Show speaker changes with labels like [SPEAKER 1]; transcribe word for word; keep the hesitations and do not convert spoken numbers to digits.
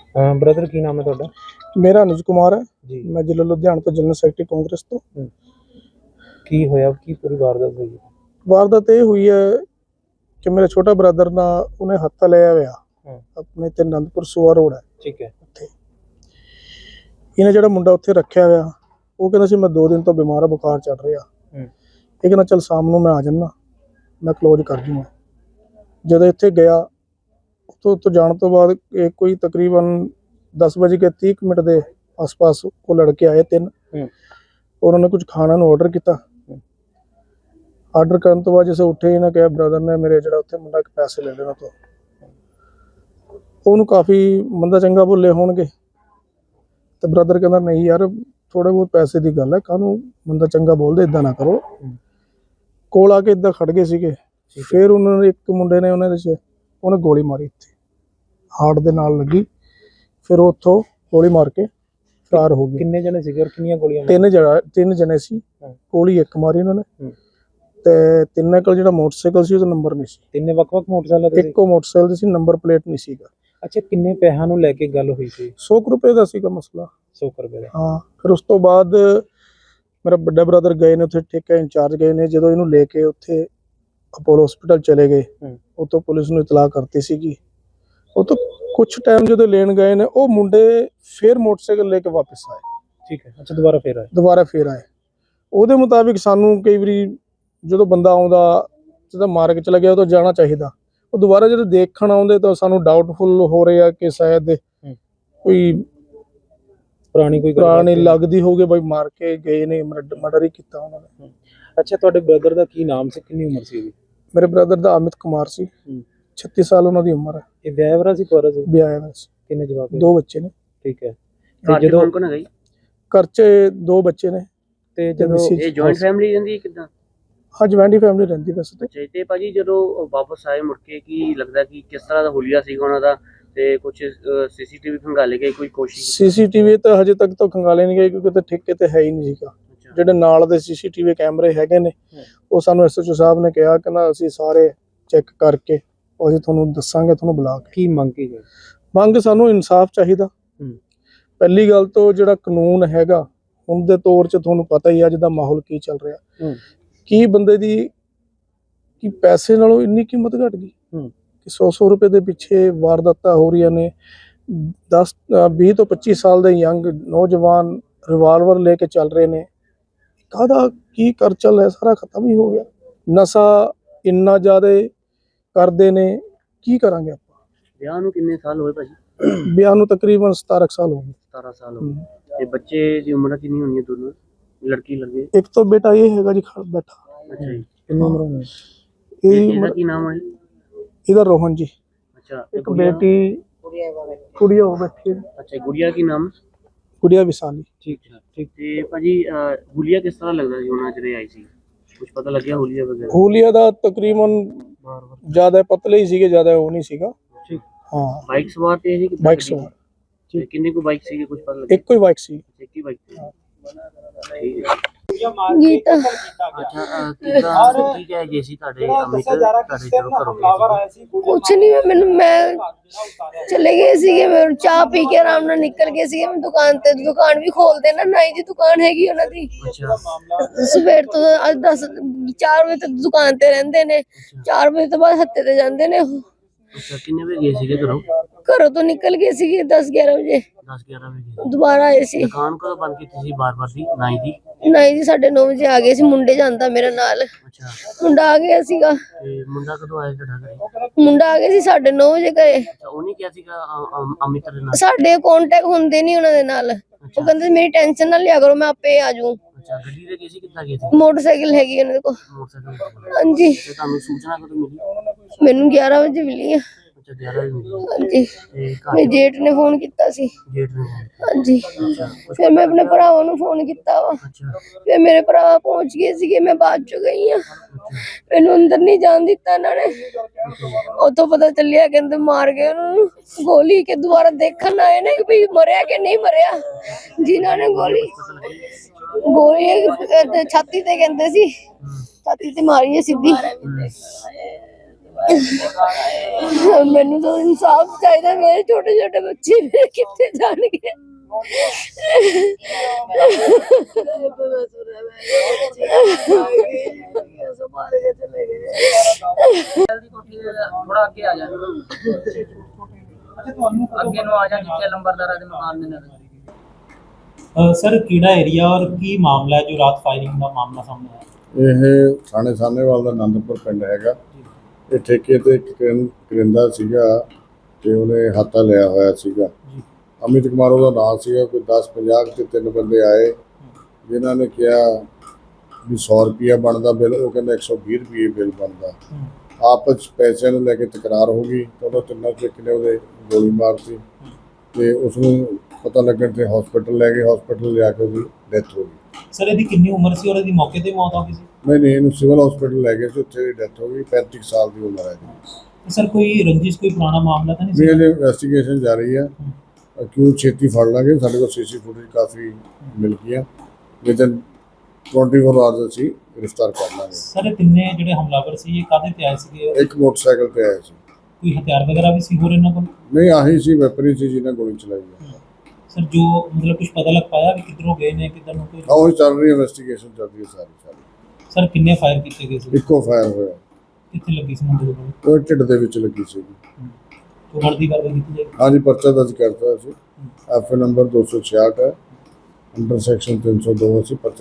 [SPEAKER 1] Brother ਕੀ ਨਾਮ ਹੈ ਤੁਹਾਡਾ?
[SPEAKER 2] ਮੇਰਾ ਅਨੁਜ ਕੁਮਾਰ ਹੈ
[SPEAKER 1] ਜੀ।
[SPEAKER 2] ਮੈਂ ਜ਼ਿਲ੍ਹਾ ਲੁਧਿਆਣਾ ਤੋਂ ਜਨਰਲ ਸੈਕਟਰੀ ਕਾਂਗਰਸ ਤੋਂ।
[SPEAKER 1] ਕੀ ਹੋਇਆ, ਕੀ ਪੂਰੀ ਵਾਰਦਾਤ ਹੋਈ?
[SPEAKER 2] ਵਾਰਦਾਤ ਇਹ ਹੋਈ ਹੈ ਕਿ ਮੇਰਾ ਛੋਟਾ ਬ੍ਰਦਰ ਨਾ ਉਹਨੇ ਹੱਥਾ ਲਿਆ ਹੋਇਆ ਆਪਣੇ ਤੇ ਅਨੰਦਪੁਰ ਸੂਆ ਰੋਡ ਹੈ,
[SPEAKER 1] ਠੀਕ ਹੈ।
[SPEAKER 2] ਉੱਥੇ ਇਹਨੇ ਜਿਹੜਾ ਮੁੰਡਾ ਉੱਥੇ ਰੱਖਿਆ ਹੋਇਆ ਉਹ ਕਹਿੰਦਾ ਸੀ ਮੈਂ ਦੋ ਦਿਨ ਤੋਂ ਬਿਮਾਰ ਆ, ਬੁਖਾਰ ਚੜ ਰਿਹਾ। ਇਹ ਕਹਿੰਦਾ ਚੱਲ ਸ਼ਾਮ ਨੂੰ ਮੈਂ ਆ ਜਾਣਾ, ਮੈਂ ਕਲੋਜ਼ ਕਰ ਜੂੰਗਾ। ਜਦੋਂ ਇੱਥੇ ਗਿਆ ਉੱਥੋਂ ਉੱਥੋਂ ਜਾਣ ਤੋਂ ਬਾਅਦ ਇਹ ਕੋਈ ਤਕਰੀਬਨ दस बज के तीस मिनट के आस पास वो लड़के आए तीन, और उन्होंने कुछ खाना ਨੂੰ ऑर्डर किया। ऑर्डर करने तो बाद जैसे उठे इन्हें कहा ब्रदर ने मेरे जो उत्थे मुंडा पैसे ले लेना, तो ਉਹਨੂੰ काफ़ी मंदा चंगा बोले होणगे, तो ब्रदर कहता नहीं यार थोड़े बहुत पैसे की गल है, काहनूं मंदा चंगा बोलदे, इदां ना करो। कोल आके इदां खड़ गए सीगे। फिर उन्होंने एक मुंडे ने उन्हें उन्हें गोली मारी, इत्थे हार्ट दे नाल लगी। फिर उत्थों गोली मार के फरार हो गए।
[SPEAKER 1] किन्ने जने सीगे और किन्नियां गोलियां?
[SPEAKER 2] तीन जने तीन जने सी। गोली एक मारी उन्होंने ते तिन्ने कोल जेड़ा मोटरसाइकिल सी ओदा नंबर नहीं सी।
[SPEAKER 1] तिन्ने वक-वक मोटरसाइकिल ते
[SPEAKER 2] इक्को मोटरसाइकिल सी, नंबर प्लेट नहीं सीगा।
[SPEAKER 1] अच्छा, किन्ने पैसा नूं लेके गल हुई सी?
[SPEAKER 2] सौ रुपए दा सीगा मसला।
[SPEAKER 1] सौ रुपए दा?
[SPEAKER 2] हाँ। फिर उस तो बाद मेरा बड़ा ब्रदर गए ने उत्थे, ठेका इंचार्ज गए ने, जदों इहनूं लेके उत्थे अपोलो हॉस्पिटल चले गए, उतों पुलिस नूं इतलाह करती सीगी। ਉਹ ਤੋਂ कुछ टाइम जो लेन गए ने वो मुंडे फिर मोटरसाइकिल लेके वापस आए।
[SPEAKER 1] ठीक है। अच्छा, दोबारा फिर आए? दोबारा
[SPEAKER 2] फिर आए। ਉਹਦੇ ਮੁਤਾਬਿਕ ਸਾਨੂੰ ਕਈ ਵਾਰੀ ਜਦੋਂ ਬੰਦਾ ਆਉਂਦਾ ਜਿਹਦਾ ਮਾਰ ਕੇ ਚਲਾ ਗਿਆ ਉਹ ਤਾਂ ਜਾਣਾ ਚਾਹੀਦਾ, ਉਹ ਦੁਬਾਰਾ ਜਦੋਂ ਦੇਖਣ ਆਉਂਦੇ ਤਾਂ ਸਾਨੂੰ ਡਾਊਟਫੁਲ ਹੋ ਰਿਹਾ ਕਿ ਸ਼ਾਇਦ ਕੋਈ
[SPEAKER 1] ਪੁਰਾਣੀ ਕੋਈ
[SPEAKER 2] ਪੁਰਾਣੀ ਲੱਗਦੀ ਹੋਵੇ, ਬਈ ਮਾਰ ਕੇ ਗਏ ਨੇ, ਮਰਡਰ ਹੀ ਕੀਤਾ ਉਹਨਾਂ ਨੇ।
[SPEAKER 1] ਅੱਛਾ, ਤੁਹਾਡੇ ਬ੍ਰਦਰ ਦਾ ਕੀ ਨਾਮ ਸੀ, ਕਿੰਨੀ ਉਮਰ ਸੀ ਉਹਦੀ?
[SPEAKER 2] ਮੇਰੇ ਬ੍ਰਦਰ ਦਾ ਅਮਿਤ ਕੁਮਾਰ ਸੀ, छत्तीस साल उन्होंने उम्र है।
[SPEAKER 1] ये विआहरा सी कुआरा सी?
[SPEAKER 2] विआहरा सी।
[SPEAKER 1] किन्ने जवाक?
[SPEAKER 2] दो बच्चे ने।
[SPEAKER 1] ठीक है। ते जदों कौन है गई
[SPEAKER 2] घर च दो बच्चे ने।
[SPEAKER 1] ते जदों ये जॉइंट फैमिली रहंदी है किदां?
[SPEAKER 2] हां, जॉइंट फैमिली रहंदी वैसे ते।
[SPEAKER 3] अच्छा, ते भाजी जदों वापस आए मुड़ के की लगदा कि किस तरह दा हुलिया सीगा उन्हां दा, ते कुछ सीसीटीवी खंगाले गए, कोई कोशिश?
[SPEAKER 2] सीसीटीवी तो हजे तक तो खंगाले नहीं गए क्योंकि तो ठेके ते है ही नहीं सीगा। ਜਿਹੜੇ ਨਾਲ ਦੇ ਸੀਸੀਟੀਵੀ ਕੈਮਰੇ ਹੈਗੇ ਨੇ ਉਹ ਸਾਨੂੰ ਐਸਐਚਓ ਸਾਹਿਬ ਨੇ ਕਿਹਾ ਕਿ ਨਾ ਅਸੀਂ ਸਾਰੇ ਚੈੱਕ ਕਰਕੇ ਅਸੀਂ ਤੁਹਾਨੂੰ ਦੱਸਾਂਗੇ, ਤੁਹਾਨੂੰ ਬੁਲਾ ਕੇ।
[SPEAKER 1] ਕੀ ਮੰਗ ਕੀ ਹੈ?
[SPEAKER 2] ਮੰਗ ਸਾਨੂੰ ਇਨਸਾਫ ਚਾਹੀਦਾ। ਪਹਿਲੀ ਗੱਲ ਤੋਂ ਜਿਹੜਾ ਕਾਨੂੰਨ ਹੈਗਾ ਹੁਣ ਦੇ ਤੌਰ 'ਚ ਤੁਹਾਨੂੰ ਪਤਾ ਹੀ ਅੱਜ ਦਾ ਮਾਹੌਲ ਕੀ ਚੱਲ ਰਿਹਾ, ਕੀ ਬੰਦੇ ਦੀ ਕੀ ਪੈਸੇ ਨਾਲੋਂ ਇੰਨੀ ਕੀਮਤ ਘਟ ਗਈ ਕਿ ਸੌ ਸੌ ਰੁਪਏ ਦੇ ਪਿੱਛੇ ਵਾਰਦਾਤਾਂ ਹੋ ਰਹੀਆਂ ਨੇ। ਦਸ ਵੀਹ ਤੋਂ ਪੱਚੀ ਸਾਲ ਦੇ ਯੰਗ ਨੌਜਵਾਨ ਰਿਵਾਲਵਰ ਲੈ ਕੇ ਚੱਲ ਰਹੇ ਨੇ। ਕਾਹਦਾ ਕੀ ਕਰ ਚੱਲ ਹੈ, ਸਾਰਾ ਖਤਮ ਹੀ ਹੋ ਗਿਆ। ਨਸ਼ਾ ਇੰਨਾ ਜ਼ਿਆਦਾ ਕਰਦੇ ਨੇ, ਕੀ ਕਰਾਂਗੇ ਆਪਾਂ।
[SPEAKER 3] ਵਿਆਹ ਨੂੰ ਕਿੰਨੇ ਸਾਲ ਹੋਏ ਭਾਜੀ?
[SPEAKER 2] ਵਿਆਹ ਨੂੰ ਤਕਰੀਬਨ ਸਤਾਰਾਂ ਸਾਲ ਹੋ ਗਏ।
[SPEAKER 3] ਸਤਾਰਾਂ ਸਾਲ ਹੋ ਗਏ। ਤੇ ਬੱਚੇ ਦੀ ਉਮਰ ਕਿੰਨੀ ਹੋਣੀ ਹੈ ਦੋਨੋਂ, ਲੜਕੀ ਲੜਕੇ?
[SPEAKER 2] ਇੱਕ ਤਾਂ ਬੇਟਾ ਇਹ ਹੈਗਾ ਜੀ ਖੜ ਬੈਠਾ।
[SPEAKER 3] ਅੱਛਾ ਜੀ।
[SPEAKER 1] ਕਿੰਨੀ ਉਮਰ ਹੋਣੀ?
[SPEAKER 2] ਇਹਦਾ
[SPEAKER 3] ਕੀ ਨਾਮ ਹੈ
[SPEAKER 2] ਇਹਦਾ? ਰੋਹਨ ਜੀ।
[SPEAKER 3] ਅੱਛਾ।
[SPEAKER 2] ਇੱਕ ਬੇਟੀ ਕੁੜੀਆ ਹੋ ਬੈਠੀ।
[SPEAKER 3] ਅੱਛਾ, ਗੁੜੀਆ ਕੀ ਨਾਮ?
[SPEAKER 2] ਗੁੜੀਆ ਵਿਸਾਲੀ।
[SPEAKER 3] ਠੀਕ ਹੈ। ਠੀਕ। ਤੇ ਭਾਜੀ ਹੁਲੀਆ ਕਿਸ ਤਰ੍ਹਾਂ ਲੱਗਦਾ ਸੀ ਉਹਨਾਂ ਜਿਹੜੇ ਆਈ ਸੀ, ਕੁਝ ਪਤਾ ਲੱਗਿਆ ਹੁਲੀਆ ਵਗੈਰਾ?
[SPEAKER 2] ਹੁਲੀਆ ਦਾ ਤਕਰੀਬਨ ਜ਼ਿਆਦਾ ਪਤਲੇ ਹੀ ਸੀਗੇ, ਜ਼ਿਆਦਾ ਉਹ ਨਹੀਂ ਸੀਗਾ।
[SPEAKER 3] ਠੀਕ।
[SPEAKER 2] ਹਾਂ।
[SPEAKER 3] ਬਾਈਕ ਸਵਾਰ ਤੇ ਸੀ?
[SPEAKER 2] ਬਾਈਕ ਸਵਾਰ।
[SPEAKER 3] ਠੀਕ। ਕਿੰਨੇ ਕੋ ਬਾਈਕ ਸੀਗੇ, ਕੁਝ ਪਤਾ ਲੱਗਿਆ?
[SPEAKER 2] ਇੱਕੋ ਹੀ ਬਾਈਕ ਸੀ।
[SPEAKER 3] ਇੱਕ ਹੀ ਬਾਈਕ ਸੀ। ਠੀਕ ਹੈ।
[SPEAKER 4] ਗੀਤਾ।
[SPEAKER 3] ਅੱਛਾ, ਕਿਦਾਂ ਕੀ ਕਹਿ ਗਏ ਸੀ ਤੁਹਾਡੇ ਅਮਿਤ ਤੁਹਾਡੇ ਜਦੋਂ ਘਰੋਂ ਗਏ ਸੀ?
[SPEAKER 4] ਕੁਛ ਨਹੀਂ, ਮੈਨੂੰ ਮੈਂ ਚਲੇ ਗਏ ਸੀਗੇ, ਮੈਂ ਚਾਹ ਪੀ ਕੇ ਆਰਾਮ ਨਾਲ ਨਿਕਲ ਗਏ ਸੀਗੇ। ਮੈਂ ਦੁਕਾਨ ਤੇ, ਦੁਕਾਨ ਵੀ ਖੋਲਦੇ ਨਾ, ਨਾਈ ਦੀ ਦੁਕਾਨ ਹੈਗੀ ਉਹਨਾਂ ਦੀ।
[SPEAKER 3] ਅੱਛਾ।
[SPEAKER 4] ਸਵੇਰ ਤੋਂ ਅੱਜ ਦਸ ਚਾਰ ਵਜੇ ਤੱਕ ਦੁਕਾਨ ਤੇ ਰਹਿੰਦੇ ਨੇ, ਚਾਰ ਵਜੇ ਤੋਂ ਬਾਅਦ ਹੱਤੇ ਤੇ ਜਾਂਦੇ ਨੇ ਉਹ।
[SPEAKER 3] ਅੱਛਾ, ਕਿੰਨੇ ਵਜੇ ਗਏ ਸੀਗੇ ਘਰੋਂ?
[SPEAKER 4] ਘਰੋਂ ਤੋਂ ਨਿਕਲ ਗਏ ਸੀਗੇ ਦਸ ਗਿਆਰਾਂ ਵਜੇ।
[SPEAKER 3] ਦਸ ਗਿਆਰਾਂ ਵਜੇ
[SPEAKER 4] ਦੁਬਾਰਾ ਆਏ ਸੀ।
[SPEAKER 3] ਦੁਕਾਨ ਕਦੋਂ ਬੰਦ ਕੀਤੀ ਸੀ ਬਾਰ-ਬਾਰ ਦੀ ਨਾਈ ਦੀ?
[SPEAKER 4] ਨਾਈ ਦੀ ਸਾਢੇ ਨੌ ਵਜੇ ਆ ਗਏ ਸੀ। ਮੁੰਡੇ ਜਾਂਦਾ ਮੇਰੇ ਨਾਲ।
[SPEAKER 3] ਅੱਛਾ।
[SPEAKER 4] ਮੁੰਡਾ ਆ ਗਿਆ ਸੀਗਾ।
[SPEAKER 3] ਤੇ ਮੁੰਡਾ ਕਦੋਂ ਆਇਆ ਤੁਹਾਡਾ ਘਰੇ?
[SPEAKER 4] ਮੁੰਡਾ ਆ ਗਿਆ ਸੀ ਸਾਢੇ ਨੌ ਵਜੇ ਘਰੇ।
[SPEAKER 3] ਅੱਛਾ, ਉਹਨੇ ਕਿਹਾ ਸੀਗਾ ਅਮਿਤ ਦੇ ਨਾਲ?
[SPEAKER 4] ਸਾਡੇ ਕੰਟੈਕਟ ਹੁੰਦੇ ਨਹੀਂ ਉਹਨਾਂ ਦੇ ਨਾਲ। ਉਹ ਕਹਿੰਦੇ ਮੇਰੀ ਟੈਨਸ਼ਨ ਨਾ ਲਿਆ ਕਰੋ, ਮੈਂ ਆਪੇ ਆ ਜਾਊਂ।
[SPEAKER 3] ਅੱਛਾ, ਗੱਡੀ ਤੇ ਗਏ ਸੀ, ਕਿੱਦਾਂ ਗਏ ਸੀ?
[SPEAKER 4] ਮੋਟਰਸਾਈਕਲ ਹੈਗੀ ਉਹਨਾਂ ਦੇ ਕੋਲ।
[SPEAKER 3] ਮੋਟਰਸਾਈਕਲ।
[SPEAKER 4] ਹਾਂਜੀ।
[SPEAKER 3] ਤੇ ਤੁਹਾਨੂੰ ਸੂਚਨਾ ਕਦੋਂ ਮਿਲੀ?
[SPEAKER 4] ਮੈਨੂੰ ਗਿਆਰਾਂ ਵਜੇ ਮਿਲੀ ਆ।
[SPEAKER 3] ਅੱਛਾ, ਗਿਆਰਾਂ ਵਜੇ ਮਿਲੀ।
[SPEAKER 4] ਹਾਂਜੀ।
[SPEAKER 3] ਤੇ
[SPEAKER 4] ਮੇਰੇ ਜੇਠ ਨੇ ਫੋਨ ਕੀਤਾ ਸੀ।
[SPEAKER 3] ਜੇਠ ਨੇ?
[SPEAKER 4] ਹਾਂਜੀ। ਫਿਰ ਮੈਂ ਆਪਣੇ ਭਰਾਵਾਂ ਨੂੰ ਫੋਨ ਕੀਤਾ ਵਾ।
[SPEAKER 3] ਅੱਛਾ।
[SPEAKER 4] ਫਿਰ ਮੇਰੇ ਭਰਾ ਪਹੁੰਚ ਗਏ ਸੀਗੇ, ਮੈਂ ਬਾਅਦ ਚ ਗਈ ਆ। ਮੈਨੂੰ ਅੰਦਰ ਨਹੀਂ ਜਾਣ ਦਿੱਤਾ ਇਹਨਾਂ ਨੇ। ਉੱਥੋਂ ਪਤਾ ਚੱਲਿਆ ਕਹਿੰਦੇ ਮਾਰ ਗਏ ਉਹਨੂੰ ਗੋਲੀ, ਕੇ ਦੁਬਾਰਾ ਦੇਖਣ ਆਏ ਨੇ ਕਿ ਵੀ ਮਰਿਆ ਕਿ ਨਹੀਂ ਮਰਿਆ। ਜਿਨ੍ਹਾਂ ਨੇ ਗੋਲੀ ਗੋਲੀ ਛਾਤੀ ਤੇ ਕਹਿੰਦੇ ਸੀ, ਛਾਤੀ ਤੇ ਮਾਰੀ ਹੈ ਸਿੱਧੀ। ਮੈਨੂੰ ਤਾਂ ਇਨਸਾਫ ਚਾਹੀਦਾ। ਮੇਰੇ ਛੋਟੇ ਛੋਟੇ ਬੱਚੇ ਮੇਰੇ ਕਿੱਥੇ ਜਾਣਗੇ?
[SPEAKER 5] ਥੋੜਾ ਅੱਗੇ ਆ ਜਾ ਅੱਗੇ ਨੂੰ ਆ ਜਾ ਜਿੱਥੇ ਲੰਬਰਦਾਰਾਂ ਦੇ ਮਕਾਨ ਦੇ ਨਾਲ।
[SPEAKER 6] ਸਰ ਕਿਹੜਾ ਏਰੀਆ ਔਰ ਕੀ ਮਾਮਲਾ ਹੈ ਜੋ ਰਾਤ ਫਾਇਰਿੰਗ ਦਾ ਮਾਮਲਾ ਸਾਹਮਣੇ ਆਇਆ?
[SPEAKER 7] ਇਹ ਥਾਣੇ ਸਾਹਨੇਵਾਲ ਦਾ ਆਨੰਦਪੁਰ ਪਿੰਡ ਹੈਗਾ। ਇਹ ਠੇਕੇ ਤੇ ਇੱਕ ਕਰਿੰ- ਕਰਿੰਦਾ ਸੀਗਾ ਤੇ ਉਹਨੇ ਹਾਤਾ ਲਿਆ ਹੋਇਆ ਸੀਗਾ। ਅਮਿਤ ਕੁਮਾਰ ਉਹਦਾ ਨਾਮ ਸੀਗਾ। ਕੋਈ ਦਸ ਪੰਜਾਹ ਤੇ ਤਿੰਨ ਬੰਦੇ ਆਏ ਜਿਨ੍ਹਾਂ ਨੇ ਕਿਹਾ ਵੀ ਸੌ ਰੁਪਈਆ ਬਣਦਾ ਬਿੱਲ, ਉਹ ਕਹਿੰਦਾ ਇੱਕ ਸੌ ਵੀਹ ਰੁਪਏ ਬਿੱਲ ਬਣਦਾ। ਆਪਸ 'ਚ ਪੈਸਿਆਂ ਨੂੰ ਲੈ ਕੇ ਤਕਰਾਰ ਹੋ ਗਈ ਤਾਂ ਉਹਨਾਂ ਤਿੰਨਾਂ 'ਚੋਂ ਇੱਕ ਨੇ ਉਹਦੇ ਗੋਲੀ ਮਾਰਤੀ ਤੇ ਉਸ ਨੂੰ ਪਤਾ ਲੱਗਣ ਤੇ ਹਸਪੀਟਲ ਲੈ ਗਏ। ਹਸਪੀਟਲ ਲਿਆ ਕੇ ਉਹਦੀ ਡੈਥ ਹੋ ਗਈ।
[SPEAKER 6] ਸਰ ਇਹਦੀ ਕਿੰਨੀ ਉਮਰ ਸੀ ਔਰ ਇਹਦੀ ਮੌਕੇ ਤੇ ਮੌਤ ਹੋ ਗਈ ਸੀ?
[SPEAKER 7] ਨਹੀਂ ਨਹੀਂ ਇਹਨੂੰ ਸਿਵਲ ਹਸਪੀਟਲ ਲੈ ਗਏ ਸੀ, ਉੱਥੇ ਦੀ ਡੈਥ ਹੋ ਗਈ। ਪੈਂਤੀ ਕੁ ਸਾਲ ਦੀ ਉਮਰ ਹੈ ਜੀ।
[SPEAKER 6] ਸਰ ਕੋਈ ਰੰਜਿਸ਼ ਕੋਈ ਪੁਰਾਣਾ ਮਾਮਲਾ ਤਾਂ ਨਹੀਂ
[SPEAKER 7] ਵੀ
[SPEAKER 6] ਸੀ?
[SPEAKER 7] ਇਹਦੀ ਇਨਵੈਸਟੀਗੇਸ਼ਨ ਜਾਰੀ ਹੈ। ਕਿਉਂ ਛੇਤੀ ਫੜ ਲਾਂਗੇ। ਸਾਡੇ ਕੋਲ ਸੀਸੀ ਫੁਟੇਜ ਕਾਫੀ ਮਿਲ ਗਈਆਂ। ਵਿਦਨ ਚੌਵੀ ਆਵਰਸ ਅਸੀਂ ਗ੍ਰਿਫਤਾਰ ਕਰ ਲਾਂਗੇ।
[SPEAKER 6] ਸਰ ਇਹ ਤਿੰਨੇ ਜਿਹੜੇ ਹਮਲਾਵਰ ਸੀ ਇਹ ਕਾਹਦੇ ਤੇ ਆਏ ਸੀਗੇ?
[SPEAKER 7] ਇੱਕ ਮੋਟਰਸਾਈਕਲ ਤੇ ਆਇਆ ਸੀ।
[SPEAKER 6] ਕੋਈ ਹਥਿਆਰ ਵਗੈਰਾ ਵੀ ਸੀ ਹੋਰ ਇਹਨਾਂ ਕੋਲ?
[SPEAKER 7] ਨਹੀਂ ਆਹੀ ਸੀ ਵੈਪਨ ਸੀ ਜਿਹਨਾਂ ਗੋਲੀ ਚਲਾਈ ਹੈ।
[SPEAKER 6] ਸਰ ਜੋ ਮਤਲਬ ਕੁਝ ਪਤਾ ਲੱਗ ਪਾਇਆ ਵੀ ਕਿੱਧਰੋਂ ਗਏ ਨੇ ਕਿੱਧਰ ਨੂੰ ਕੋਈ?
[SPEAKER 7] ਆਹ ਚੱਲ ਰਹੀ ਇਨਵੈਸਟੀਗੇਸ਼ਨ ਚੱਲ ਰਹੀ ਹੈ ਸਾਰੀ ਸਾਰੀ।
[SPEAKER 6] ਸਰ ਕਿੰਨੇ ਫਾਇਰ ਕੀਤੇ ਗਏ ਸੀ?
[SPEAKER 7] ਇੱਕੋ ਫਾਇਰ ਹੋਇਆ।
[SPEAKER 6] ਕਿੱਥੇ ਲੱਗੀ ਸੀ ਮੁੰਡੇ ਦੇ ਕੋਲ?
[SPEAKER 7] ਉਹ ਢਿੱਡ ਦੇ ਵਿੱਚ ਲੱਗੀ ਸੀ।
[SPEAKER 6] ਤੋਂ ਬਣਦੀ ਕਾਰਵਾਈ ਕੀਤੀ ਜਾਏਗੀ?
[SPEAKER 7] ਹਾਂਜੀ ਪਰਚਾ ਦਰਜ ਕਰਤਾ ਸੀ। ਐਫ ਨੰਬਰ ਦੋ ਸੌ ਛਿਆਹਠ ਹੈ ਅੰਡਰ ਸੈਕਸ਼ਨ ਤਿੰਨ ਸੌ ਦੋ ਅਸੀਂ ਪਰਚਾ